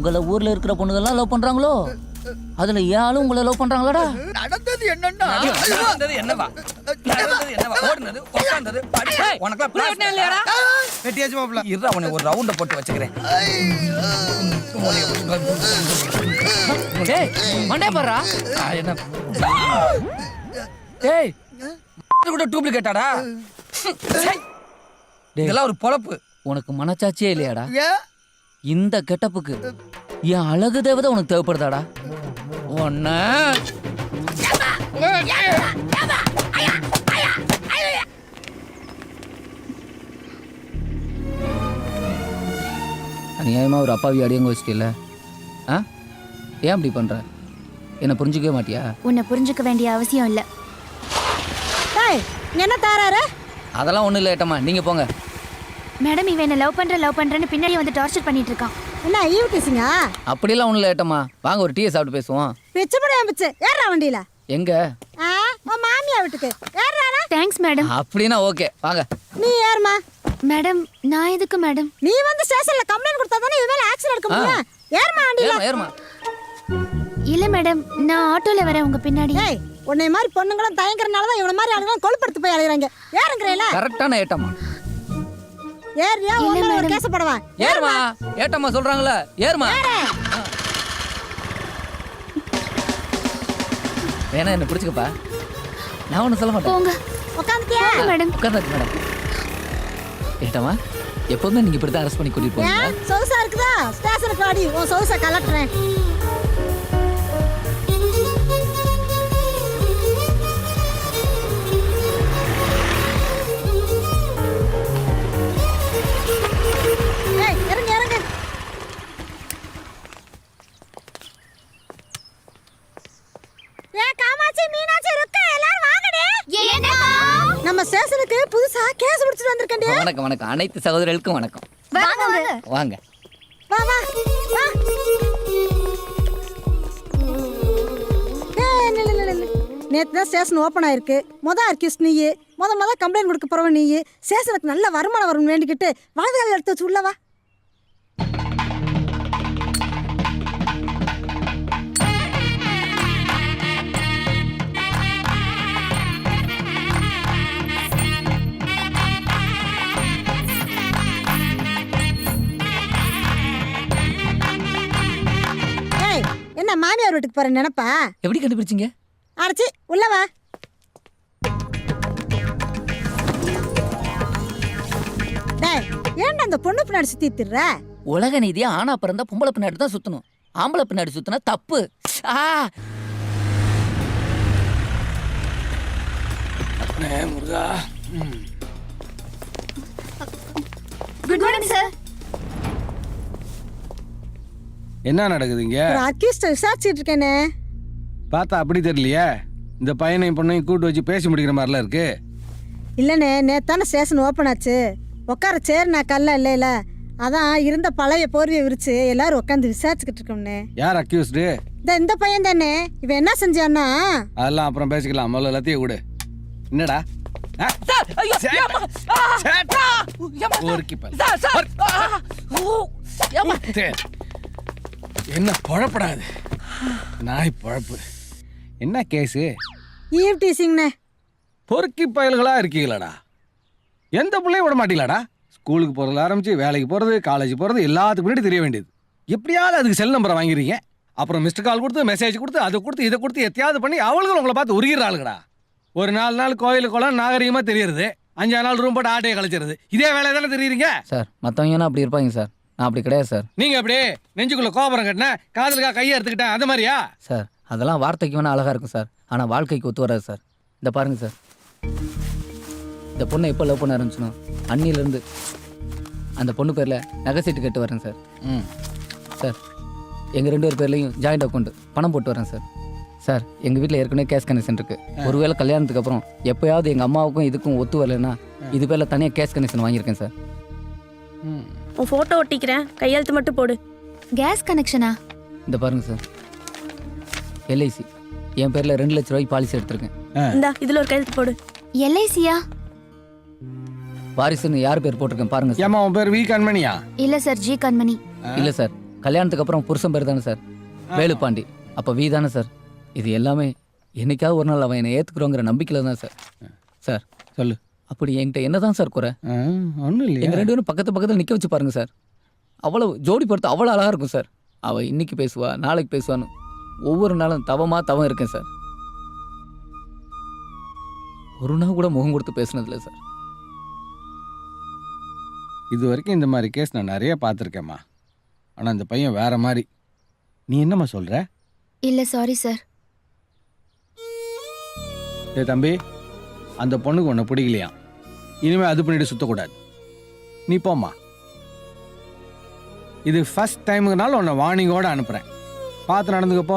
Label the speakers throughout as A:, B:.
A: உங்களை ஊர்ல இருக்கிற பொண்ணுங்கெல்லாம் லவ் பண்றாங்களோ? அதுல ஏன் உங்களை லவ் பண்றாங்களாடா?
B: நடந்தது என்னன்னா
C: என்னவா ஓடுனது உட்கார்ந்தது உனக்கு
B: வெட்டியாச்சு மாப்ள.
C: இரு அவனை ஒரு ரவுண்ட போட்டு வச்சுக்கிறேன்.
A: டேய் மண்டே பாறா.
C: என்ன டேய் கூட டூப்ளிகேட்டாடா? இதெல்லாம் ஒரு பொழப்பு.
A: உனக்கு மனச்சாட்சியே இல்லையாடா?
B: ஏன்
A: இந்த கெட்டப்புக்கு என் அழகு தேவதை உனக்கு தேவைப்படுதாடா? ஒன்ன அநியாயமா ஒரு அப்பாவி அடியங்க வச்சிட்டில்ல? ஆ ஏன் அப்படி பண்ற? என்ன புரிஞ்சுக்கவே மாட்டியா?
D: உன்னை புரிஞ்சுக்க வேண்டிய அவசியம் இல்லை. என்ன தாராரு?
A: அதெல்லாம் ஒண்ணும் இல்லை ஏட்டம்மா, நீங்க போங்க.
D: மேடம் இவன் என்ன லவ் பண்றேன்னு பின்னாடி வந்து டார்ச்சர் பண்ணிட்டு இருக்கான்.
E: என்ன ஈவ் டீசிங்கா?
A: அப்படிலாம் ஒண்ணும் இல்லை ஏட்டம்மா, வாங்க ஒரு டீயை சாப்பிட்டு பேசுவோம்.
E: பிச்சு படையா பிச்சு ஏறா வண்டியில.
A: எங்க?
E: உன் மாமியா வீட்டுக்கு ஏறானா?
D: Thanks madam.
A: அப்படின்னா ஓகே வாங்க.
E: நீ ஏறுமா.
D: மேடம் நான் எதுக்கு மேடம்?
E: நீ வந்து ஸ்டேஷன்ல கம்ப்ளைண்ட் கொடுத்தா தானே இவன் மேல ஆக்ஷன் எடுக்க முடியும். ஏறுமா வண்டியில.
A: ஏறுமா.
D: இல்ல மேடம் நான் ஆட்டோல வரேன் உங்க பின்னாடி.
E: ஏய் உன்னை மாதிரி பொண்ணுங்களும் தயங்கறனால தான் இவன மாதிரி ஆளுங்க கொழுப்படுத்து போய் அலையறாங்க. ஏறுங்கறேல.
A: கரெக்ட்டான ஏட்டம்மா.
E: ஏறியா உன்ன ஒரு கேஸ் போடவா?
A: ஏறுமா. ஏட்டம்மா சொல்றாங்கல ஏறுமா. வேணா என்ன பிடிச்சுக்கப்பா, நான் ஒன்றும் சொல்ல மாட்டேன்.
D: போங்க.
E: உட்காந்துட்டியா
D: மேடம்?
A: உட்காந்துருக்கு மேடம். ஏட்டம்மா எப்போதுமே நீங்க இப்படி தான் அரெஸ்ட் பண்ணி கூட்டிட்டு போவீங்க?
E: சொகுசா இருக்குதா? ஸ்டேஷனுக்கு வாடி, உன் சொகுசா கலட்டுறேன். ஏய் இறங்கு இறங்கு. காமாட்சி மீனாட்சி ருக்கா எல்லாரும் வாங்கடே. நம்ம ஸ்டேஷனுக்கு புதுசா கேஸ் பிடிச்சிட்டு வந்திருக்கேன்டே.
A: வணக்கம் வணக்கம், அனைத்து சகோதரர்களுக்கும் வணக்கம். வாங்க
E: வா வா வா. நேற்று தான் ஸ்டேஷன் ஓப்பன் ஆயிருக்கு. அர்க்கிஸ்ட் நீ முத கம்ப்ளைண்ட் கொடுக்க போறவ நீ. ஸ்டேஷனுக்கு நல்ல வருமானம் வரும்னு வேண்டிக்கிட்டு வலதுகால எடுத்து வச்சு உள்ளவா. என்ன மாமியார் வீட்டுக்கு போற நினைப்பா?
A: எப்படி கண்டுபிடிச்சீங்க?
E: அடைச்சி உள்ளவா. டேய் ஏன்டா அந்த பொண்ணு பின்னாடி சுத்தி திர்ற?
A: உலக நீதியா ஆனா பிறந்தா பொம்பளை பின்னாடி தான் சுத்தணும், ஆம்பளை பின்னாடி சுத்தினா தப்பு.
C: முருகா.
D: Good morning sir.
F: என்ன நடக்குதுங்க?
E: ஒரு அக்யூஸ்ட் விசாரிச்சிட்டு இருக்கேனே.
F: பார்த்தா அப்படி தெரியலையே. இந்த பையனையும் பொண்ணையும் கூட்டு வச்சு பேசி முடிக்கிற மாதிரிலாம் இருக்கு.
E: இல்லைண்ணே நேத்தான ஸ்டேஷன் ஓப்பன் ஆச்சு. உட்கார சேர் நான் கல்ல இல்லைல, அதான் இருந்த பழைய போர்வையை விரிச்சு எல்லாரும் உட்காந்து விசாரிச்சுக்கிட்டு இருக்கோம்னே.
F: யார் அக்யூஸ்டு?
E: இந்த பையன் தானே. இவன் என்ன செஞ்சான்னா?
F: அதெல்லாம் அப்புறம் பேசிக்கலாம், முதல்ல எல்லாத்தையும் விடு. என்னடா என்ன பொழப்படாது நாய் பொழப்பு. என்ன கேஸு?
E: ஈவ் டீசிங்ண்ணே.
F: பொறுக்கி பயல்களா இருக்கீங்களாடா? எந்த பிள்ளையும் விட மாட்டீங்களாடா? ஸ்கூலுக்கு போகிறதுல ஆரம்பிச்சு வேலைக்கு போகிறது, காலேஜ் போகிறது எல்லாத்துக்கு முன்னாடி தெரிய வேண்டியது. எப்படியாவது அதுக்கு செல் நம்பரை வாங்கிறீங்க, அப்புறம் மிஸ்டு கால் கொடுத்து மெசேஜ் கொடுத்து அதை கொடுத்து இதை கொடுத்து எத்தையாவது பண்ணி அவளுக்கு உங்களை பார்த்து உருகிறாளுங்கடா. ஒரு 4 நாள் கோயிலுக்கு குளம் நாகரிகமாக தெரியறது, 5 நாள் ரூம் போட்டு ஆட்டையை கழிச்சிருது. இதே வேலை தானே தெரியுறீங்க
A: சார். மற்றவங்கன்னா அப்படி இருப்பாங்க சார், நான் அப்படி கிடையாது சார்.
F: நீங்கள் அப்படியே நெஞ்சுக்குள்ளே கோபுரம் கட்டினேன், காதலுக்காக கையை எடுத்துக்கிட்டேன், அந்த மாதிரியா
A: சார்? அதெல்லாம் வார்த்தைக்கு வேணால் அழகாக இருக்கும் சார், ஆனால் வாழ்க்கைக்கு ஒத்து வராது சார். இந்த பாருங்க சார், இந்த பொண்ணை எப்போ லவ் பண்ண ஆரம்பிச்சனோ அன்னிலேருந்து அந்த பொண்ணு பேரில் நகை சீட்டு கட்டு வரேன் சார். சார் எங்கள் 2 பேர் பேர்லையும் ஜாயிண்ட் அக்கௌண்ட் பணம் போட்டு வரேன் சார். சார் எங்கள் வீட்டில் ஏற்கனவே கேஷ் கனெக்ஷன் இருக்குது. ஒருவேளை கல்யாணத்துக்கு அப்புறம் எப்போயாவது எங்கள் அம்மாவுக்கும் இதுக்கும் ஒத்து வரலைன்னா இது பேரில் தனியாக கேஷ் கனெக்ஷன் வாங்கியிருக்கேன் சார்.
G: உன் ஃபோட்டோ ஒட்டிக்கிறேன், கையெழுத்து மட்டும் போடு.
D: கேஸ் கனெக்ஷனா?
A: இந்த பாருங்க சார், எல்ஐசி என் பேரில் 2 லட்ச ரூபாய்க்கு பாலிசி எடுத்திருக்கேன்.
G: இந்தா இதில் ஒரு கையெழுத்து போடு.
D: எல்ஐசியா?
A: வாரிசுன்னு யார் பேர் போட்டிருக்கேன் பாருங்க சார்.
F: ஏமா உன் பேர் வி கண்மணியா?
D: இல்ல சார், ஜி கண்மணி.
A: இல்லை சார், கல்யாணத்துக்கு அப்புறம் புருஷன் பேர் தானே சார் வேலுப்பாண்டி. அப்போ வி தானே சார். இது எல்லாமே என்னைக்காவது ஒரு நாள் அவன் என்னை ஏற்றுக்குறோங்கிற நம்பிக்கையில் தான் சார். சார்
F: சொல்லு.
A: அப்படி என்கிட்ட என்ன தான் சார் குறை?
F: ஒன்றும் இல்லையா?
A: எங்கள் 2 பேரும் பக்கத்தில் நிற்க வச்சு பாருங்க சார். அவ்வளோ ஜோடி பொறுத்து அவ்வளோ அழகாக இருக்கும் சார். அவள் இன்னைக்கு பேசுவா, நாளைக்கு பேசுவான்னு ஒவ்வொரு நாளும் தவம் இருக்கேன் சார். ஒரு நாள் கூட முகம் கொடுத்து பேசுனதில்லை சார்.
F: இது வரைக்கும் இந்த மாதிரி கேஸ் நான் நிறைய பார்த்துருக்கேம்மா. ஆனால் இந்த பையன் வேற மாதிரி. நீ என்னம்மா சொல்கிற?
D: இல்ல சாரி சார்.
F: ஏ தம்பி, அந்த பொண்ணுக்கு உன்னை பிடிக்கலையாம். இனிமேல் அது பண்ணிட்டு சுற்றக்கூடாது. நீ போம்மா. இது ஃபர்ஸ்ட் டைமுக்குனால உன்னை வார்னிங்கோடு அனுப்புகிறேன். பார்த்து நடந்துக்கப்போ.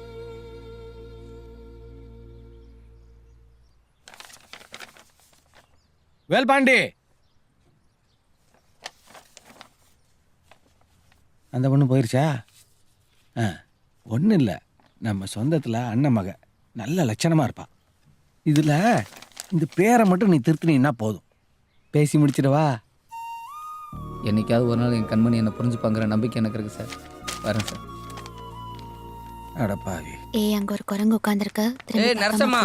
F: வேல்பாண்டி, அந்த பொண்ணு போயிருச்சா? ஒன்றும் இல்லை, நம்ம சொந்தத்தில் அண்ணன் மக நல்ல லட்சணமாக இருப்பா. இதில் இந்த பேரை மட்டும் நீ திருத்தினீன்னா போதும். பேசி முடிச்சிடவா?
A: என்னைக்காவது ஒரு நாள் என் கண்மணி என்னை புரிஞ்சுப்பாங்கிற நம்பிக்கை எனக்கு இருக்கு சார். வரேன் சார்.
F: அடப்பாவி.
D: ஏய் அங்க ஒரு குரங்கு உட்கார்ந்திருக்க.
C: ஏய் நரசம்மா,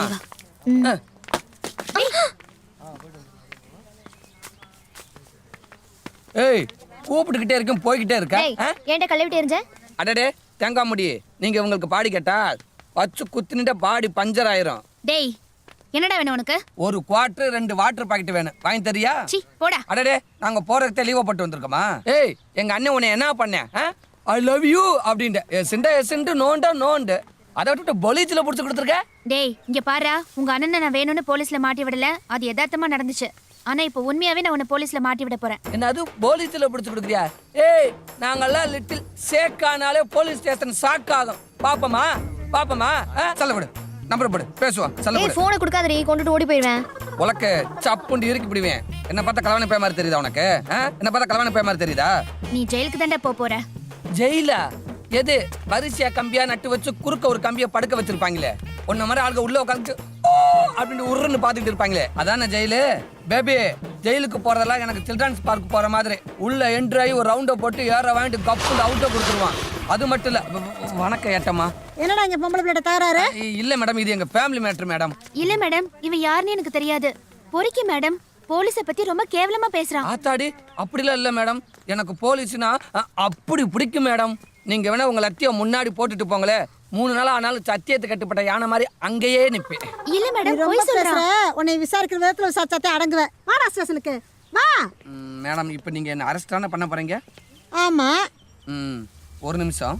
C: ஏய் கூப்பிட்டுக்கிட்டே இருக்கேன், போய்கிட்டே இருக்க.
D: ஏன்டா கழுவிட்டு இருந்த?
C: அடடே தேங்காய் முடி, நீங்க உங்களுக்கு பாடி கேட்டா வச்சு குத்துனிட்ட பாடி பஞ்சர் ஆயிரும்.
D: டேய் என்னடா வேணும் உனக்கு?
C: ஒரு குவார்டர் 2 வாட்டர் பாக்கெட் வேணும், வாங்கி தரியா?
D: சீ போடா.
C: அடடே நாங்க போறதுக்கு லீவ் போட்டு வந்திருக்கோமா? ஏய் எங்க அண்ணன் உன்னை என்ன பண்ணேன்? ஐ லவ் யூ அப்படின்ட்டு எஸ்ண்டு நோண்டு அதை விட்டுட்டு பொலிச்சில் பிடிச்சி கொடுத்துருக்க.
D: டேய் இங்க பாரு, உங்க அண்ணனை நான் வேணும்னு போலீஸ்ல மாட்டி விடல. அது யதார்த்தமா நடந்துச்சு. ஆனா இப்போ உண்மையாவே நான் உன்னை போலீஸ்ல மாட்டி விட போறேன்.
C: என்ன அது போலீஸ்ல பிடிச்சி கொடுக்குறியா? ஏய் நாங்கெல்லாம் லிட்டில் சேக்கானாலே போலீஸ் ஸ்டேஷன் ஷாக் ஆகும். பாப்பமா சொல்ல விடு, நம்பர் போடு, பேசுவோம். சொல்ல விடு.
D: போனை கொடுக்காதடி, கொண்டுட்டு ஓடி போயிடுவேன்.
C: உலக்க சப்புண்டு இறுக்கி பிடிவேன். என்ன பார்த்தா கலவாணி பே மாதிரி தெரியுதா உனக்கு? என்ன பார்த்தா கலவாணி பே மாதிரி தெரியுதா?
D: நீ ஜெயிலுக்கு தான்டா போற.
C: ஜெயிலா? எது வரிசையா கம்பியா நட்டு வச்சு குறுக்க ஒரு கம்பியை படுக்க வச்சிருப்பாங்களே, உன்ன மாதிரி ஆளுங்க உள்ள உட்காந்து அப்படின்னு உருன்னு பாத்துக்கிட்டு இருப்பாங்களே, அதான ஜெயிலு? பேபி ஜெயிலுக்கு போறதெல்லாம் எனக்கு சில்ட்ரன்ஸ் பார்க் போற மாதிரி உள்ள என்ட்ரி ஆகி ஒரு ரவுண்டை போட்டு ஏற வாங்கிட்டு கப்பு அவுட்டை கொடுத்துருவான். அது மட்டும் இல்ல. வணக்கம் ஏட்டம்மா.
E: என்னடா இங்க பொம்பளை பிள்ளை தகராறு?
C: இல்ல மேடம், இது எங்க ஃபேமிலி மேட்டர் மேடம்.
D: இல்ல மேடம், இவன் யாருன்னு எனக்கு தெரியாது. பொறுக்கி மேடம், போலீஸை பத்தி ரொம்ப கேவலமா பேசுறான்.
C: ஆத்தாடி அப்படிலாம் இல்ல மேடம், எனக்கு போலீஸ்னா அப்படி பிடிக்கும் மேடம். நீங்க வேணா உங்க லத்தியம் முன்னாடி போட்டுட்டு போங்களே, 3 நாள் ஆனாலும் சத்தியத்தை கட்டுப்பட்ட யானை மாதிரி அங்கேயே நிப்பேன்.
D: இல்ல மேடம்,
E: ரொம்ப
D: போய் சொல்றான்.
E: பேசுற. உன்னை விசாரிக்கிற விதத்துல விசாரிச்சாத்தே அடங்குவேன். வாடா ஸ்டேஷனுக்கு வா.
C: மேடம் இப்போ நீங்க என்ன அரெஸ்ட் தானே பண்ண போறீங்க?
E: ஆமா.
C: ஒரு நிமிஷம்.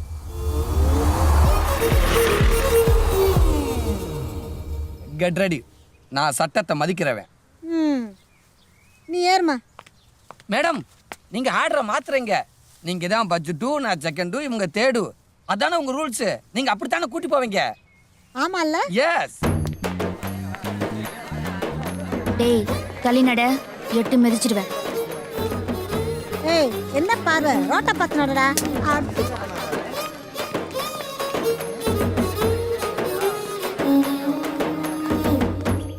C: Get ready. நான் சட்டத்தை மதிக்கிறவன்.
E: நீ ஏறுமா.
C: மேடம் நீங்க ஆர்டரை மாத்துறீங்க. நீங்க தான் பட்ஜெட்டு, நான் செகண்டு, இவங்க தேடு. அதானே உங்க ரூல்ஸ். நீங்க அப்படித்தானே கூட்டி போவீங்க.
E: ஆமா இல்ல?
C: எஸ்.
D: டேய் தலிநட, எட்டு மிதிச்சிடுவேன்.
E: ஏய் என்ன பார்வை, ரோட்டை பார்த்து நடடா.